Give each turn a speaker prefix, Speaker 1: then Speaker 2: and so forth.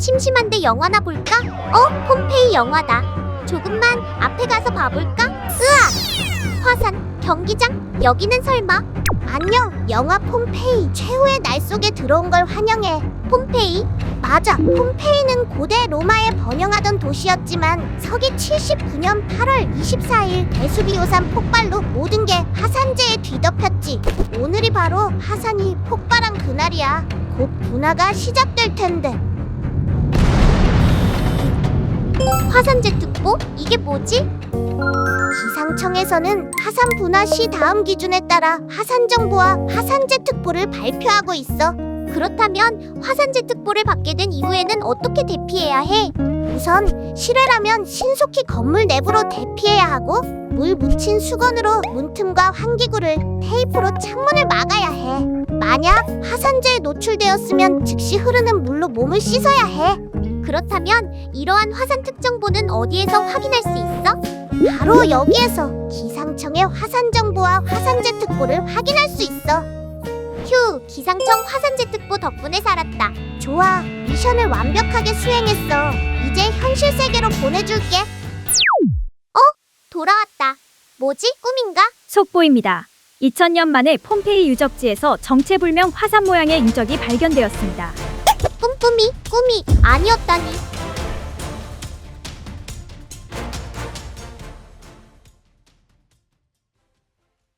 Speaker 1: 심심한데 영화나 볼까? 폼페이 영화다. 조금만 앞에 가서 봐볼까? 으아! 화산, 경기장? 여기는 설마? 안녕, 영화 폼페이. 최후의 날 속에 들어온 걸 환영해. 폼페이? 맞아, 폼페이는 고대 로마에 번영하던 도시였지만 서기 79년 8월 24일 베수비오산 폭발로 모든 게 화산재에 뒤덮였지. 오늘이 바로 화산이 폭발한 그날이야. 곧 분화가 시작될 텐데. 화산재 특보? 이게 뭐지? 기상청에서는 화산 분화 시 다음 기준에 따라 화산 정보와 화산재 특보를 발표하고 있어. 그렇다면 화산재 특보를 받게 된 이후에는 어떻게 대피해야 해? 우선 실외라면 신속히 건물 내부로 대피해야 하고, 물 묻힌 수건으로 문틈과 환기구를, 테이프로 창문을 막아야 해. 만약 화산재에 노출되었으면 즉시 흐르는 물로 몸을 씻어야 해. 그렇다면 이러한 화산 특정보는 어디에서 확인할 수 있어? 바로 여기에서 기상청의 화산 정보와 화산재 특보를 확인할 수 있어. 휴, 기상청 화산재 특보 덕분에 살았다. 좋아, 미션을 완벽하게 수행했어. 이제 현실 세계로 보내줄게. 돌아왔다. 뭐지? 꿈인가?
Speaker 2: 속보입니다. 2000년 만에 폼페이 유적지에서 정체불명 화산 모양의 인적이 발견되었습니다.
Speaker 1: 꿈이 아니었다니.